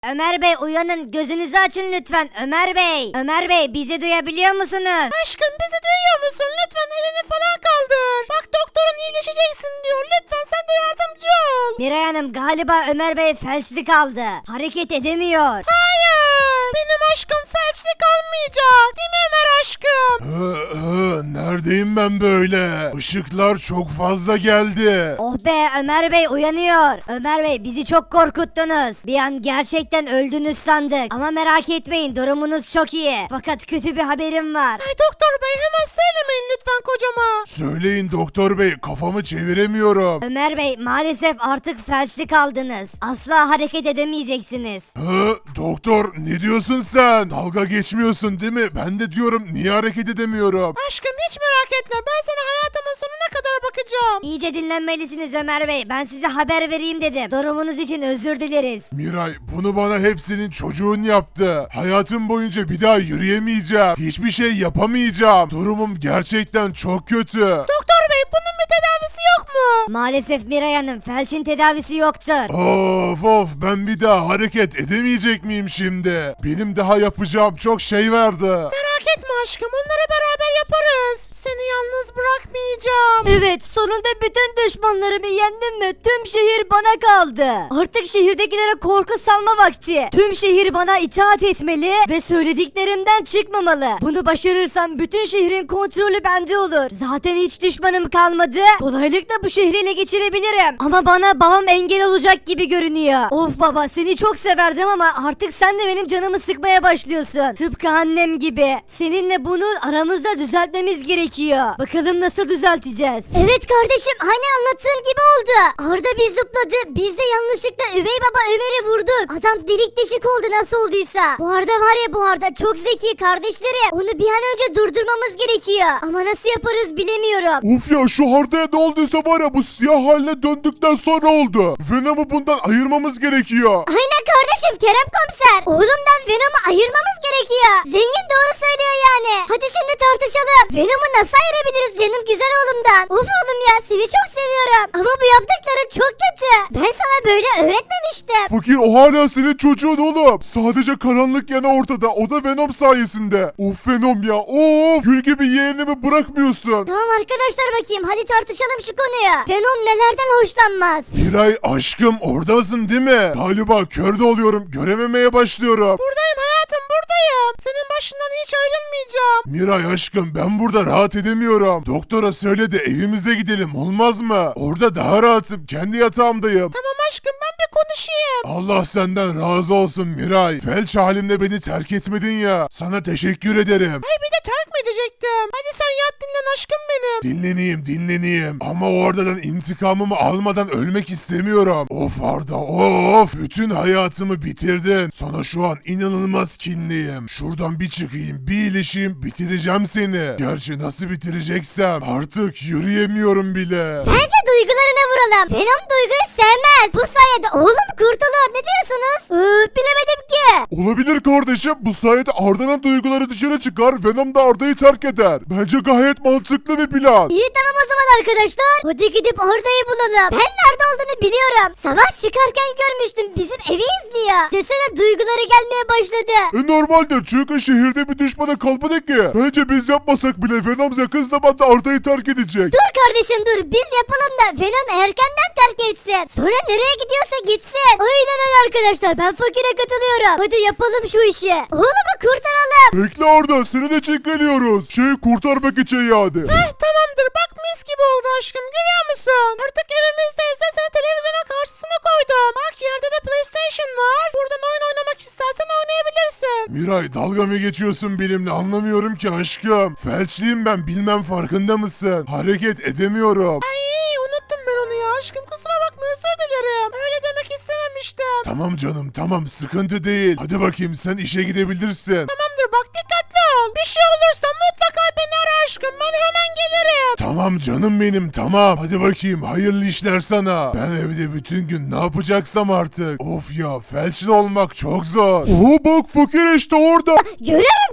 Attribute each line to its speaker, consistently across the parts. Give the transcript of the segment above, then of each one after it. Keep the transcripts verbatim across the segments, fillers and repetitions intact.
Speaker 1: Ömer Bey uyanın, gözünüzü açın lütfen. Ömer Bey. Ömer Bey, bizi duyabiliyor musunuz?
Speaker 2: Aşkım bizi duyuyor musun? Lütfen elini falan kaldır. Bak doktorun iyileşeceksin diyor. Lütfen sen de yardımcı ol.
Speaker 1: Miray Hanım, galiba Ömer Bey felçli kaldı. Hareket edemiyor.
Speaker 2: Hayır. Benim aşkım felçli kalmayacak. Değil mi Ömer aşkım?
Speaker 3: Hı, hı, neredeyim ben böyle? Işıklar çok fazla geldi.
Speaker 1: Oh be, Ömer Bey uyanıyor. Ömer Bey, bizi çok korkuttunuz. Bir an gerçekten öldünüz sandık. Ama merak etmeyin, durumunuz çok iyi. Fakat kötü bir haberim var.
Speaker 2: Ay doktor bey hemen söylemeyin lütfen kocama.
Speaker 3: Söyleyin doktor bey, kafamı çeviremiyorum.
Speaker 1: Ömer Bey, maalesef artık felçli kaldınız. Asla hareket edemeyeceksiniz.
Speaker 3: Hı, doktor ne diyorsun sen? Dalga geçmiyorsun değil mi? Ben de diyorum niye hareket edemiyorum?
Speaker 2: Aşkım hiç merak etme. Ben sana hayatımın sonuna kadar bakacağım.
Speaker 1: İyice dinlenmelisiniz Ömer Bey. Ben size haber vereyim dedim. Durumunuz için özür dileriz.
Speaker 3: Miray, bunu bana hepsinin çocuğun yaptı. Hayatım boyunca bir daha yürüyemeyeceğim. Hiçbir şey yapamayacağım. Durumum gerçekten çok kötü.
Speaker 2: Doktor bey bunun bir tedavisi yok mu?
Speaker 1: Maalesef Miray Hanım, felçin tedavisi yoktur.
Speaker 3: Of of, ben bir daha hareket edemeyecek miyim şimdi? Benim daha yapacağım çok şey vardı.
Speaker 2: Merak etme aşkım onları beraber yaparız. Seni yalnız bırakmayacağım.
Speaker 1: Evet, sonunda bütün düşmanlarımı yendim ve tüm şehir bana kaldı. Artık şehirdekilere korku salma vakti. Tüm şehir bana itaat etmeli ve söylediklerimden çıkmamalı. Bunu başarırsam bütün şehrin kontrolü bende olur. Zaten hiç düşmanım kalmadı. Kolaylıkla bu şehri ele geçirebilirim. Ama bana babam engel olacak gibi görünüyor. Of baba, seni çok severdim ama artık sen de benim canımı sıkmaya başlıyorsun. Tıpkı annem gibi. Seninle bunu aramızda düzeltmemiz gerekiyor. Bakalım nasıl düzelteceğiz?
Speaker 4: Evet kardeşim, hani anlattığım gibi oldu. Arda bir zıpladı, biz de yanlışlıkla üvey baba Ömer'i vurduk. Adam delik deşik oldu nasıl olduysa. Bu Arda var ya, bu Arda çok zeki kardeşlerim. Onu bir an önce durdurmamız gerekiyor. Ama nasıl yaparız bilemiyorum.
Speaker 3: Of ya, şu Arda'ya ne olduysa var ya, bu siyah haline döndükten sonra oldu. Venom'u bundan ayırmamız gerekiyor.
Speaker 4: Aynen kardeşim, Kerem komiser. Oğlumdan Venom'u ayırmamız gerekiyor. Zengin doğru söylüyor yani. Hadi şimdi tartışalım. Venom'u nasıl ayırabiliriz canım güzel oğlumdan? Of oğlum ya, seni çok seviyorum. Ama bu yaptıkların çok kötü. Ben sana böyle öğretmemiştim.
Speaker 3: Fakir, o hala senin çocuğun oğlum. Sadece karanlık yanı ortada, o da Venom sayesinde. Of Venom ya, of, gül gibi yeğenimi bırakmıyorsun.
Speaker 4: Tamam arkadaşlar, bakayım hadi tartışalım şu konuyu. Venom nelerden hoşlanmaz?
Speaker 3: Miray aşkım, oradasın değil mi? Galiba kör de oluyorum, görememeye başlıyorum.
Speaker 2: Buradayım hayatım buradayım. Senin başından hiç ayrılmayacağım.
Speaker 3: Miray aşkım, ben burada rahat edemiyorum. Doktora söyle de evimize gidelim, olmaz mı? Orada daha rahatım, kendi yatağımdayım.
Speaker 2: Tamam aşkım ben bir konuşayım.
Speaker 3: Allah senden razı olsun Miray. Felç halimle beni terk etmedin ya. Sana teşekkür ederim.
Speaker 2: Ay bir de terk mi edecektim? Hadi sen yat dinlen aşkım benim.
Speaker 3: Dinleneyim dinleneyim. Ama o Arda'dan intikamımı almadan ölmek istemiyorum. Of Arda, of. Bütün hayatımı bitirdin. Sana şu an inanılmaz kinliyim. Şuradan bir çıkayım, bir iyileşeyim, bitireceğim seni. Gerçi nasıl bitireceksem artık yürüyemiyorum bile.
Speaker 4: Bence duygularına vuralım. Venom duyguyu sevmez. Bu sayede oğlum kurtulur. Ne diyorsunuz? Ee, bilemedim ki.
Speaker 3: Olabilir kardeşim. Bu sayede Arda'nın duyguları dışarı çıkar, Venom da Arda'yı terk eder. Bence gayet mantıklı bir plan.
Speaker 4: İyi tamam o zaman arkadaşlar. Hadi gidip Arda'yı bulalım. Ben nerede olduğunu biliyorum. Sabah çıkarken görmüştüm. Bizim evi izliyor. Desene duyguları gelmeye başladı.
Speaker 3: E normaldir, çünkü şehirde bir düşmana kalmadı ki. Bence biz yapmasak bile Venom yakın zamanda Arda'yı terk edecek.
Speaker 4: Dur kardeşim dur. Biz yapalım da Venom erkenden terk etsin. Sonra nereye gidiyorsa gitsin. Aynen öyle arkadaşlar. Ben fakire katılıyorum. Hadi yapalım şu işi. Oğlumu kurtaralım.
Speaker 3: Bekle Arda, seni de çekiliyoruz. Şey kurtarmak için yani.
Speaker 2: Eh tamamdır bak mis gibi oldu aşkım görüyor musun? Artık evimizdeyiz ve seni televizyona karşısına koydum. Bak yerde de PlayStation var. Buradan oyun oynamak istersen oynayabilirsin.
Speaker 3: Miray, dalga mı geçiyorsun benimle, anlamıyorum ki aşkım. Felçliyim ben, bilmem farkında mısın? Hareket edemiyorum.
Speaker 2: Ay unuttum ben onu ya aşkım kusura bakma özür dilerim. Öyle demek istememiştim.
Speaker 3: Tamam canım tamam, sıkıntı değil. Hadi bakayım, sen işe gidebilirsin.
Speaker 2: Tamamdır bak dikkatli ol. Bir şey olursa mutlaka beni ara aşkım ben hemen gelirim.
Speaker 3: Tamam canım benim, tamam. Hadi bakayım, hayırlı işler sana. Ben evde bütün gün ne yapacaksam artık. Of ya, felçli olmak çok zor. Oo bak fakir işte orada.
Speaker 4: Görüyorum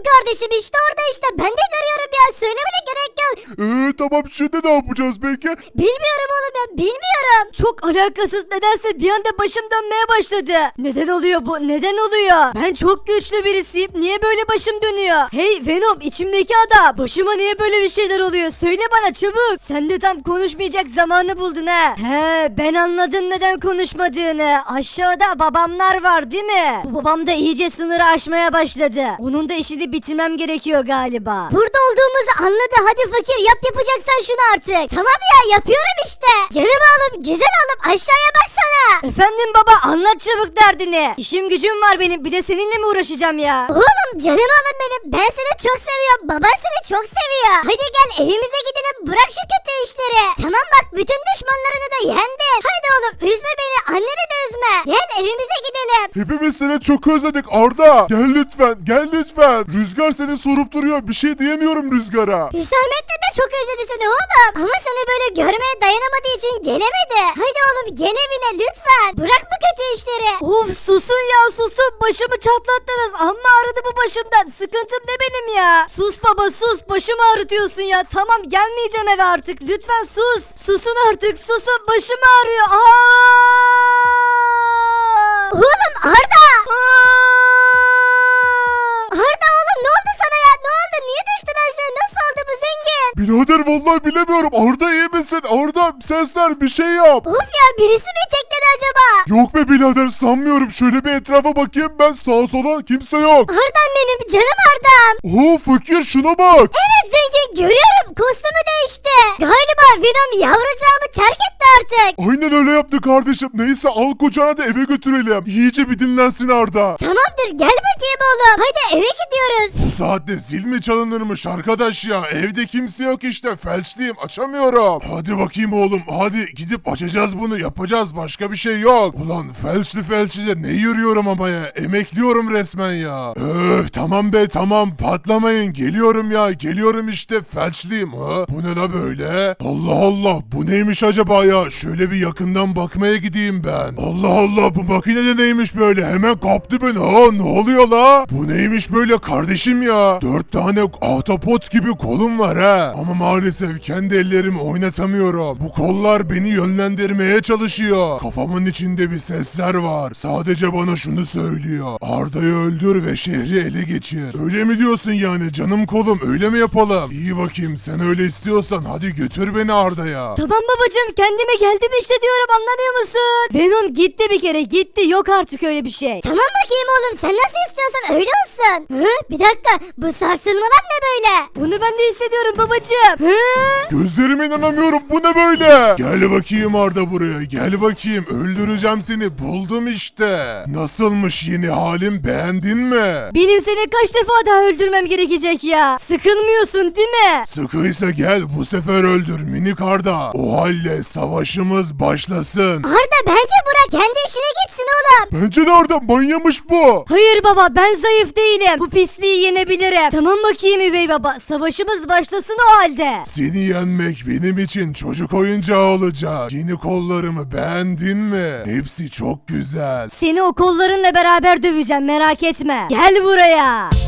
Speaker 4: kardeşim işte orada işte. Ben de görüyorum ya. Söylemene gerek yok.
Speaker 3: Eee tamam şimdi ne yapacağız peki?
Speaker 4: Bilmiyorum oğlum ya bilmiyorum.
Speaker 1: Çok alakasız nedense bir anda başım dönmeye başladı. Neden oluyor bu? Neden oluyor? Ben çok güçlü birisiyim. Niye böyle başım dönüyor? Hey Venom, içimdeki adam. Başıma niye böyle bir şeyler oluyor? Söyle bana çabuk. Sen de tam konuşmayacak zamanı buldun ha. He, ben anladım neden konuşmadığını. Aşağıda babamlar var değil mi? Bu babam da iyice sınırı aşmaya başladı. Onun da işini bitirmem gerekiyor galiba.
Speaker 4: Burada olduğumuzu anladı. Hadi fakir yap yapacaksan şunu artık. Tamam ya yapıyorum işte. Canım oğlum güzel oğlum aşağıya baksana.
Speaker 1: Efendim baba, anlat çabuk derdini. İşim gücüm var benim, bir de seninle mi uğraşacağım ya?
Speaker 4: Oğlum canım oğlum benim. Ben seni çok seviyorum. Baban seni çok seviyor. Hadi gel evimize gidelim. Bırak şu kötü işleri. Tamam bak bütün düşmanlarını da yendin. Hadi oğlum üzme beni. Anneni de üzme. Gel evimize gidelim.
Speaker 3: Hepimiz seni çok özledik Arda. Gel lütfen, gel lütfen. Rüzgar seni sorup duruyor. Bir şey diyemiyorum Rüzgar'a.
Speaker 4: Hüsamettin de çok özledi seni oğlum. Ama seni böyle görmeye dayanamadığı için gelemedi. Hadi oğlum gel evine lütfen. Bırak bu kötü işleri.
Speaker 1: Of susun ya susun, başımı çatlattınız, amma ağrıdı bu başımdan, sıkıntım ne benim ya? Sus baba sus, başımı ağrıtıyorsun ya, tamam gelmeyeceğim eve artık, lütfen sus. Susun artık, susun, başım ağrıyor. Aa!
Speaker 4: Oğlum Arda.
Speaker 1: Aa!
Speaker 4: Arda oğlum ne oldu sana ya? Ne oldu? Niye düştün aşağı? Nasıl oldu bu zengin?
Speaker 3: Birader vallahi bilemiyorum. Arda iyi misin? Arda sesler bir şey yap.
Speaker 4: Of ya birisi mi tekledi acaba?
Speaker 3: Yok be birader sanmıyorum. Şöyle bir etrafa bakayım ben sağa sola kimse yok.
Speaker 4: Arda'm benim canım Arda'm.
Speaker 3: Oo fakir şuna bak.
Speaker 4: Evet zengin görüyorum kostümü değişti. Galiba Venom yavrucağımı terk etti artık.
Speaker 3: Aynen öyle yaptı kardeşim. Neyse al kucağına da eve götürelim. İyice bir dinlensin Arda.
Speaker 4: Tamamdır gel bakayım oğlum. Hadi eve gidiyoruz.
Speaker 3: Bu saatte zil mi çalınırmış arkadaş ya? Evde kimse yok işte. Felçliyim açamıyorum. Hadi bakayım oğlum. Hadi gidip açacağız bunu. Yapacağız. Başka bir şey yok. Ulan felçli felçli de ne yürüyorum ama ya. Emekliyorum resmen ya. Öf tamam be tamam. Patlamayın. Geliyorum ya. Geliyorum işte. Felçliyim. Ha? Bu ne la böyle? Allah Allah. Bu neymiş acaba ya? Şöyle bir yakından bakmaya gideyim ben. Allah Allah. Bu makine de neymiş böyle? Hemen kaptı beni. Ha ne oluyor la? Bu neymiş böyle kardeşim ya? Dört tane ahtapot gibi kolum var ha. Ama maalesef kendi ellerimi oynatamıyorum. Bu kollar beni yönlendirmeye çalışıyor. Kafamın içinde bir sesler var. Sadece bana şunu söylüyor. Arda'yı öldür ve şehri ele geçir. Öyle mi diyorsun yani canım kolum? Öyle mi yapalım? İyi bakayım sen öyle istiyorsan hadi götür beni Arda'ya.
Speaker 1: Tamam babacığım, kendime geldim işte diyorum, anlamıyor musun? Venom gitti bir kere, gitti, yok artık öyle bir şey.
Speaker 4: Tamam bakayım oğlum sen nasıl istiyorsan öyle olsun. Hı? Bir dakika bu sarsılmalar ne böyle?
Speaker 1: Bunu ben de hissediyorum babacığım. Hı?
Speaker 3: Gözlerime inanamıyorum bu ne böyle? Gel bakayım Arda buraya gel bakayım öldüreceğim seni buldum işte. Nasılmış yeni halim beğendin mi?
Speaker 1: Benim seni kaç defa daha öldürmem gerekecek ya? Sıkılmıyorsun değil mi?
Speaker 3: Sıkıysa gel bu sefer öldür minik Arda. O halde savaşımız başlasın.
Speaker 4: Arda bence Burak kendi işine gitsin oğlum.
Speaker 3: Bence de Arda manyamış bu.
Speaker 1: Hayır baba, ben zayıf değilim. Bu pisliği yenebilirim. Tamam bakayım üvey baba, savaşımız başlasın o halde.
Speaker 3: Seni yenmek benim için çocuk oyuncağı olacak. Yeni kollarımı beğendin mi? Hepsi çok güzel.
Speaker 1: Seni o kollarınla beraber döveceğim, merak etme. Gel buraya.